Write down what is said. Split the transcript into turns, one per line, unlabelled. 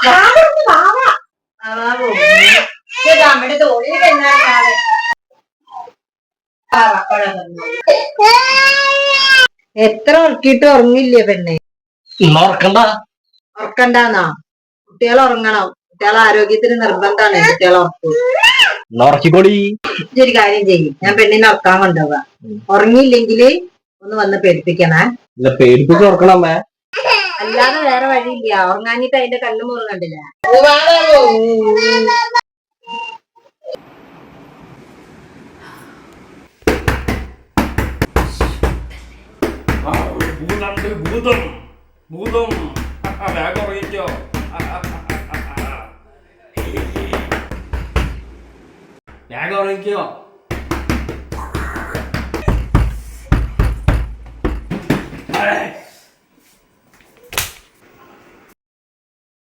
നമ്മുടെ തോളിൽ എന്നാണ് എത്ര ഉറക്കിയിട്ട് ഉറങ്ങില്ലേ പെണ്ണെ? ഉറക്കണ്ടാന്നാ? കുട്ടികൾ ഉറങ്ങണം. കുട്ടികളെ ആരോഗ്യത്തിന് നിർബന്ധമാണ് കുട്ടികളെ ഉറക്കൂടി. ഇതൊരു കാര്യം ചെയ്യും, ഞാൻ പെണ്ണിനെ ഉറക്കാൻ കൊണ്ടുപോവാ. ഉറങ്ങിയില്ലെങ്കില് ഒന്ന് വന്ന് പേടിപ്പിക്കണേ.
പേടിപ്പിച്ച് ഉറക്കണമ്മേ.
അല്ലാതെ വേറെ വഴിയില്ല. ഉറങ്ങാഞ്ഞിട്ട് അതിന്റെ കണ്ണു മുറി കണ്ടില്ല.
ഭൂതം ഭൂതം വേഗം ഉറങ്ങിക്കോ. വേഗം ഉറങ്ങിക്കോ.